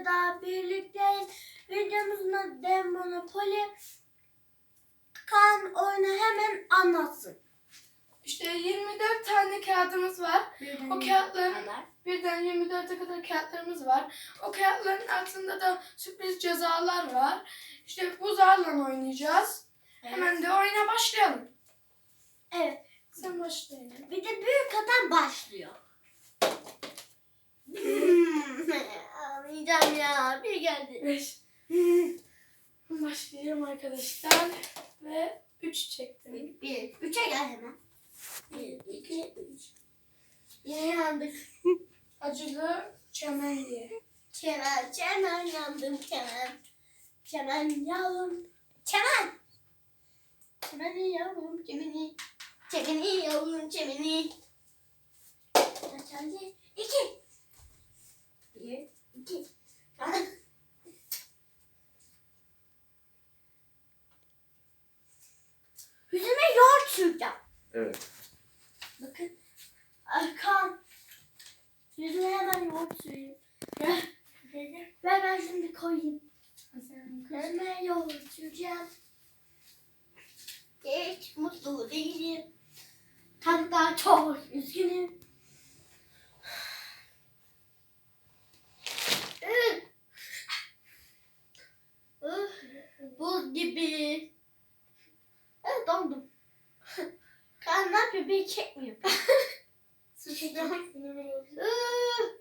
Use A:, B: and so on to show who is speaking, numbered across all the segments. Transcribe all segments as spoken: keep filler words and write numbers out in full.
A: videoyla daha birlikteyiz. Videomuzun adı Dev Monopoly. Kaan oyunu hemen anlatsın.
B: İşte yirmi dört tane kağıdımız var.
A: Birden
B: O kağıtların
A: kadar.
B: birden yirmi dörde kadar kağıtlarımız var. O kağıtların altında da sürpriz cezalar var. İşte bu zarla oynayacağız.
A: Evet.
B: Hemen de oyuna başlayalım.
A: Evet.
B: Sen başlayalım.
A: Bir de büyük adam başlıyor. Ağlayacağım ya. Bir geldi.
B: Beş. Başlayacağım arkadaşlar. Ve üç çektim.
A: Bir. Üçe gel hemen. Bir, iki, üç. Yine yandık.
B: Acılı çemen diye.
A: Çemen, çemen yandım çemen. Çemen yavrum. Çemen. Çemeni yavrum çemeni. Çemeni yavrum çemeni. Kaç geldi? İki. Bir, iki. Yüzüme yoğurt süreceğim.
C: Evet.
A: Bakın. Arkam. Yüzüme hemen yoğurt süreyim. Ver. Ver ben şunu bir koyayım. Yüzüme yoğurt süreceğim. Hiç mutlu değilim. Hatta çok üzgünüm. Üf. Üf. Buz gibi. Evet dondum. Kaan ne yapıyor? Bir kek mi yapıyor? Üf.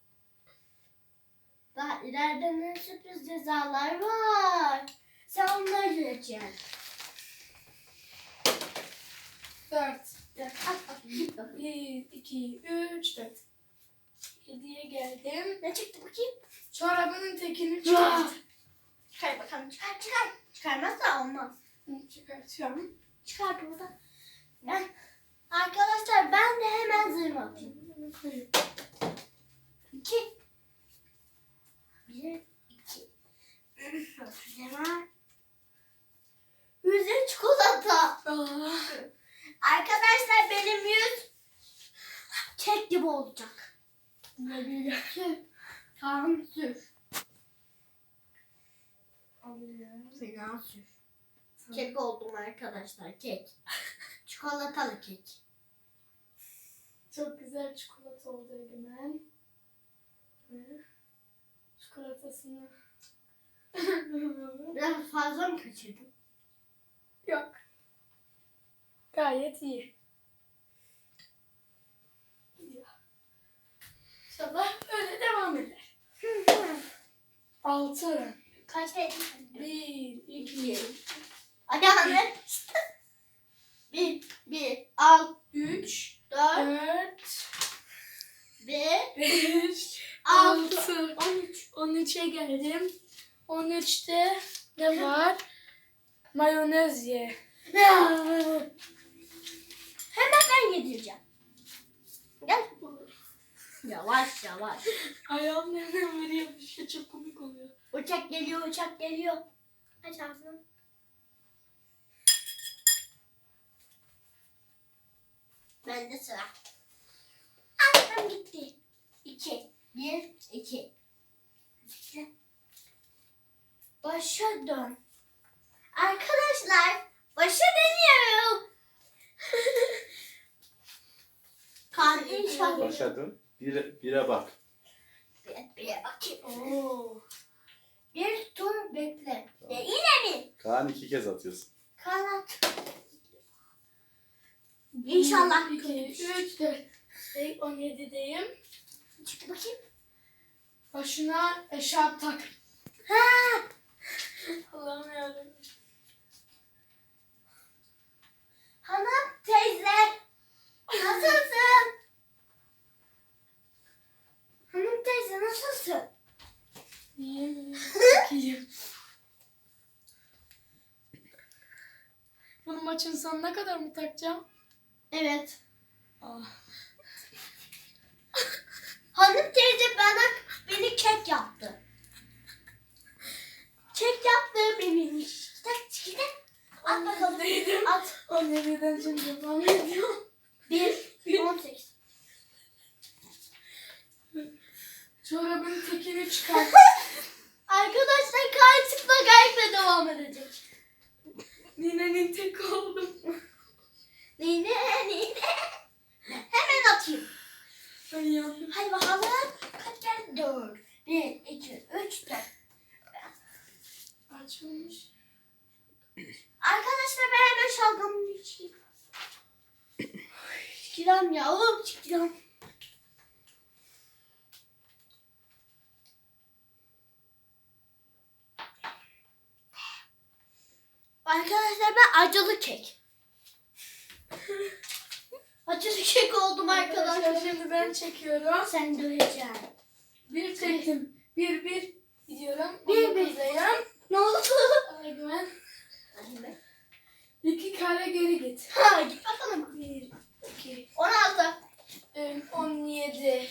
A: Daha ileride ne sürpriz cezalar var. Sen onları göreceksin.
B: Dört.
A: At at git bakalım.
B: Bir, iki, üç, dört. Yediye geldim.
A: Ne çıktı bakayım?
B: Çorabının tekini
A: Ah!
B: çıkart.
A: Çıkar bakalım çıkar çıkar. Çıkarmazsa olmaz.
B: Çıkartıyorum.
A: Çıkar burada. Ben arkadaşlar ben de hemen zırh atayım. İki. Bir, iki. Hemen. Yüzün çikolata.
B: Ah.
A: Arkadaşlar benim yüz kek gibi olacak.
B: Ne büyük.
A: Sür. Tamam sür.
B: Alıyorum.
A: Fena sür. Kek oldum arkadaşlar kek. Çikolatalı kek.
B: Çok güzel çikolata oldu Egemen. Ve çikolatasını
A: Biraz fazla mı kaçırdım?
B: yok. Gayet iyi. İnşallah öyle devam eder. Altı.
A: Kaç dedim?
B: Bir, iki,
A: Ayağını. Bir, bir, al,
B: üç,
A: dört,
B: dört,
A: bir,
B: beş,
A: altı,
B: altı.
A: on üç.
B: On üçe geldim. On üçte ne var? Mayonez ye.
A: Hemen ben yedireceğim. Gel. Yavaş yavaş.
B: Ayağım nereden veriyor? Bir şey çok komik oluyor.
A: Uçak geliyor, uçak geliyor. Aç ağzını. Bende sıra. Annem gitti. İki. Bir, iki. Başa dön. Arkadaşlar, başa dönüyorum. Kan inşallah.
C: Başladın. Bir, bire bak.
A: Bir, bir bakayım.
B: Oo.
A: Bir tur bekle.
C: Tamam.
A: Ya yine mi?
C: Kaan iki kez atıyorsun.
A: Kanat. İnşallah
B: Bir, iki, üç, dört. Şey, on yedideyim.
A: Çık bakayım.
B: Başına eşarp tak.
A: Ha!
B: Allah'ım yarabbim.
A: Hanım teyze. Nasılsın? Hanım teyze nasılsın?
B: İyiyim. İyiyim. Bunu maçın sonuna kadar mı takacağım?
A: Evet.
B: Ah.
A: Hanım teyze bana beni kek yaptı. Kek yaptı benim işte. İşte. At bakalım.
B: Neydim?
A: At.
B: on yediden şimdi devam ediyorum.
A: Bir. On sekiz.
B: Çorabın tekini çıkar.
A: devam edecek.
B: Ninenin tek oldum.
A: Nine nine. Hemen atayım.
B: Ben yandım.
A: Hadi bakalım. Kaç geldi? Dört. Bir, iki, üç, dört.
B: Açılmış.
A: Arkadaşlar ben hemen şalgamımı içeyim. Çıkıram yavrum çıkıram. Arkadaşlar ben acılı kek. Acılı kek oldum
B: Arkadaşlar
A: arkadaşlar.
B: şimdi ben çekiyorum.
A: Sen döveceksin.
B: Bir çektim. Bir bir gidiyorum.
A: Bir, bir.
B: Buradayım.
A: Ne oldu?
B: Güven. İki kare geri git.
A: Ha git bakalım.
B: Bir, iki,
A: on altı.
B: em, on yedi.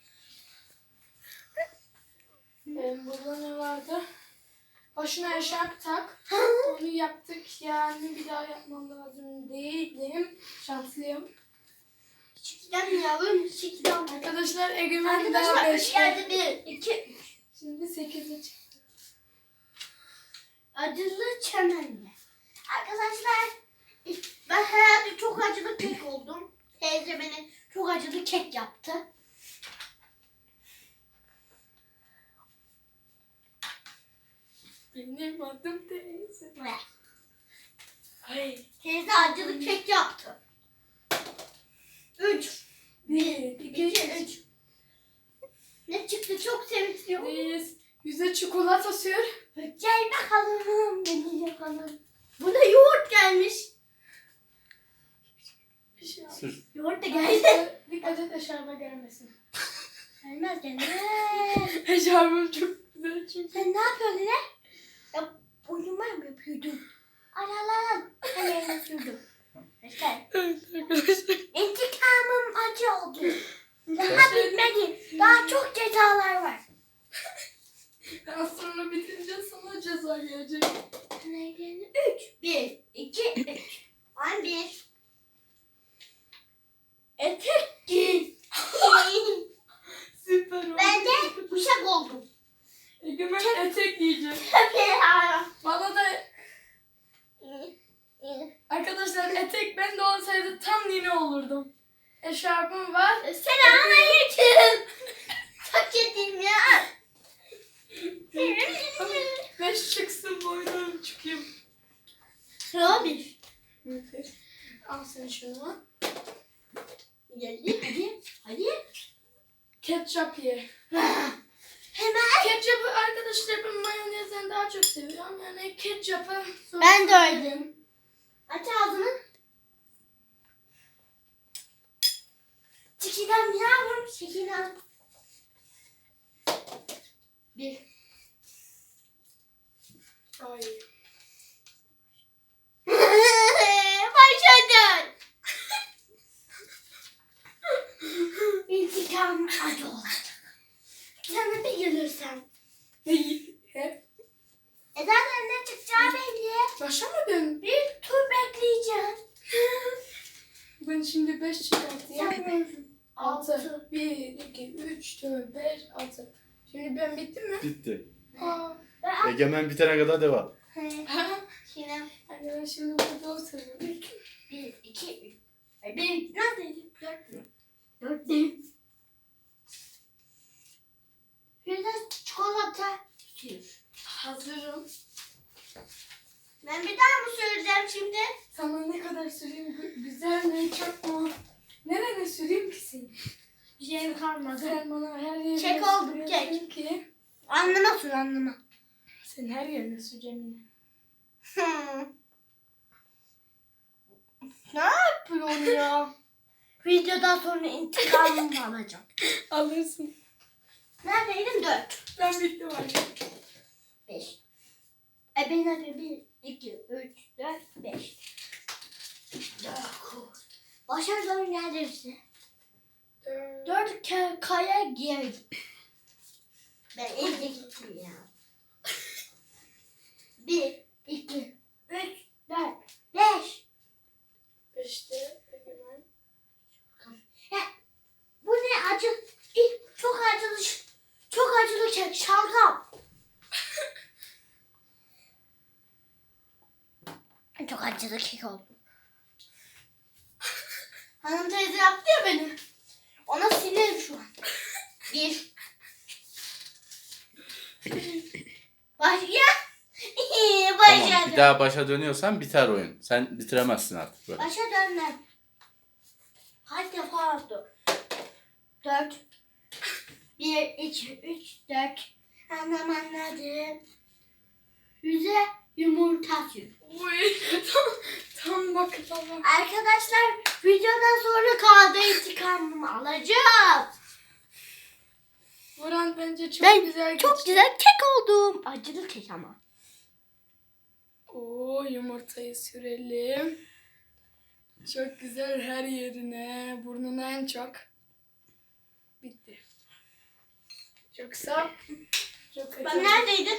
B: Em, burada ne vardı? Başına eşarp tak. Onu yaptık yani bir daha yapmam lazım değilim. Şanslıyım.
A: Çıkıram yavrum çıkıram.
B: Arkadaşlar Egemen bir daha
A: Arkadaşlar üç
B: beşte.
A: geldi bir, iki, üç.
B: Şimdi sekize çıktı.
A: Acılı çemenle. Arkadaşlar ben herhalde çok acılı kek oldum. Teyze beni çok acılı kek yaptı.
B: Benim adım teyze.
A: Ve
B: Ay.
A: teyze acılı kek yaptı. Üç.
B: Bir, iki,
A: İki, üç. Ne çıktı çok sevinçliyim.
B: Biz yüze çikolata sür.
A: Gel bakalım. Beni yapalım. Buna yoğurt gelmiş.
B: Bir şey yap.
C: Sür.
A: Yoğurt da geldi.
B: Dikkat- Dikkat et eşarba gelmesin.
A: Gelmez gelmez.
B: Eşarbım çok güzel çünkü.
A: Sen ne yapıyordun ne? Ya uyuma mı yapıyordun? Al al al. Ben yerine sürdüm. İşte
B: Evet arkadaşlar.
A: intikamım acı oldu. Daha bitmedi. Daha çok cezalar var.
B: Az sonra bitince sana ceza gelecek.
A: Neyden? Üç. Bir, iki, üç. On bir. Etek giy.
B: Süper oldu.
A: Ben de uşak oldum.
B: Egemen etek giyecek. Bana da arkadaşlar etek ben de olsaydı tam nine olurdum. Eşarbım var.
A: Selamünaleyküm. Çok yedim ya.
B: Beş çıksın boynum çıkayım.
A: Sıra bir.
B: Al sen şunu.
A: Geldi hadi. Hadi.
B: Ketçap ye.
A: Hemen.
B: Ketçapı arkadaşlar ben mayonezden daha çok seviyorum. Yani ketçapı.
A: Ben de öyle. Aç ağzını. Çekilem yavrum. Çekilem. Bir.
B: Ay.
A: Başladın. İntikam acı olacak. Sana bir gelirsem.
B: Hep.
A: E zaten ne çıkacağı belli.
B: Başlamadın.
A: Bir tur bekleyeceğim.
B: Ben şimdi beş çıkartayım.
A: Yapmıyorum.
B: Altı. Bir, iki, üç, dört, beş, altı. Şimdi ben bittim mi?
C: Bitti.
B: Aa.
C: Egemen bitene kadar devam.
A: Şimdi
B: Hani ben şimdi burada oturuyorum.
A: bir, iki, üç. Ay, bir, neredeydi? Dört mü? Dört değil. Bir de çikolata sür.
B: Hazırım.
A: Ben bir daha mı süreceğim şimdi?
B: Sana ne kadar süreyim? Gü- Güzel mi? Çok mu? Nereye süreyim ki seni?
A: Bir şey kalmadı.
B: Sen bana her yerine
A: Çek oldu,
B: sürüyorsun
A: çek.
B: ki.
A: Anlama sür anlama.
B: Sen her yerine süreceğim yine.
A: Hmm. Ne yapıyorsun ya? Videodan sonra intikamımı alacağım.
B: Alırsın.
A: Neredeydim? Dört.
B: Ben bittim artık.
A: Beş. E ben hadi bir, iki, üç, dört, beş. Dokuz. Başa doğru gelirse.
B: Dört.
A: Dört ke- kaya girdim. Ben evde gittim ya. Bir, iki, üç, dört, beş.
B: Beşte Egemen.
A: Bu ne acı? İ- Çok acılı. ş- Çok acılı kek. Şalgam. acılı kek oldum. Hanım teyze yaptı ya beni. Ona sinirim şu an. Bir. Başka.
C: Tamam,
A: Başa
C: bir daha başa dönüyorsan biter oyun. Sen bitiremezsin artık böyle.
A: Başa dönmem. Kaç defa oldu? Dört. Bir, iki, üç, dört. Anlam anladım. Yüze yumurta sür.
B: Uy, tam, tam baklava.
A: Arkadaşlar videodan sonra kahve intikamımı alacağım.
B: Buran bence çok
A: Ben
B: güzel
A: Çok
B: geçti.
A: güzel kek oldum. Acılı kek ama.
B: Oo, yumurtayı sürelim. Çok güzel her yerine. Burnuna en çok. Bitti. Çok sağ ol. Çok
A: Ben
B: acı.
A: neredeydim?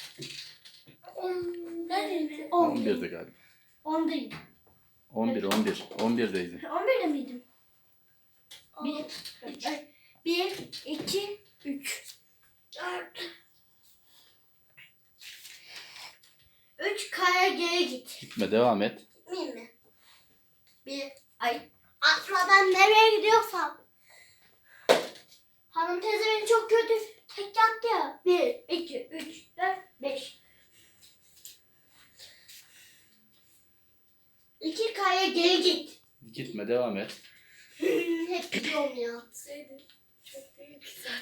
B: On-
A: Neredeydim?
C: on birde galiba.
A: ondaydım.
C: on bir, on bir. on birdeydin.
A: on birde miydim? Bir, iki, bir, iki, üç. Dört. Üç kaya geri git.
C: Gitme, devam et.
A: Gitmeyeyim mi? Bir, ay. Atmadan nereye gidiyorsam. Hanım teyze beni çok kötü tek yaptı ya. Bir, iki, üç, dört, beş. İki kaya geri git.
C: Gitme, devam et.
A: Hep gidiyorum ya.
B: Gitseydin. Çok değil ki sen.